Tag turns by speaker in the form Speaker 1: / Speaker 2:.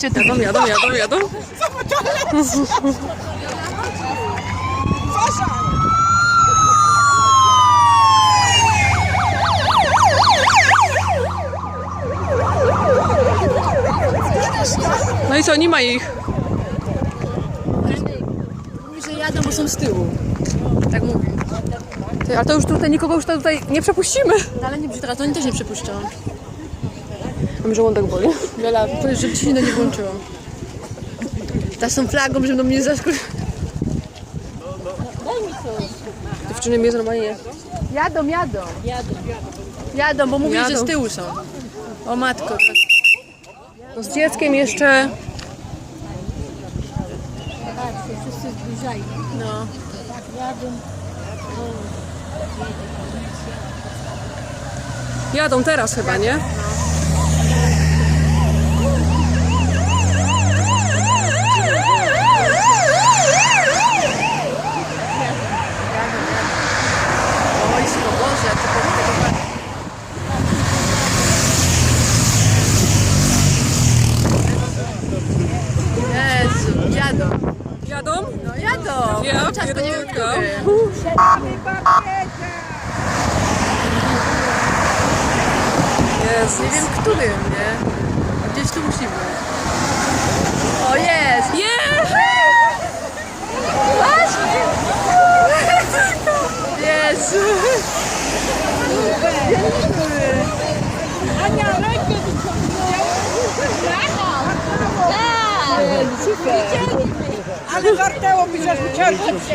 Speaker 1: Patrzcie, to
Speaker 2: Jadą. No i co, nie ma ich.
Speaker 1: mówi, że jadą, bo są z tyłu. Tak mówi.
Speaker 2: Ty, a to już tutaj nikogo już tutaj nie przepuścimy.
Speaker 1: No, ale nie, teraz oni też nie przepuszczą.
Speaker 2: Mam żołądek boli.
Speaker 1: Wiola, powiedz, żeby ci się nie włączyło. Ta z tą flagą, żeby do mnie zaskoczyć.
Speaker 2: Dziewczyny mnie normalnie.
Speaker 1: Jadą, bo mówili, że
Speaker 2: Jadą.
Speaker 1: z tyłu są. O matko.
Speaker 2: No z dzieckiem jeszcze.
Speaker 3: Wszyscy zbliżają.
Speaker 1: No.
Speaker 3: Jadą.
Speaker 2: Jadą teraz chyba, nie?
Speaker 1: Wojsko, Boże, co tego. Jezu, jadą.
Speaker 2: Jadą?
Speaker 1: No jadą.
Speaker 2: Ja
Speaker 1: Cały czas to nie wiem,
Speaker 2: pierdolę.
Speaker 1: który.
Speaker 2: Jezus.
Speaker 1: Nie wiem, którym, nie? Gdzieś tu musi być. O, jest!
Speaker 2: Yeah!
Speaker 1: Jezu!
Speaker 3: Ania, rękę wyciągnęła. Tak! Super! Ale wartało mi, że uciekł.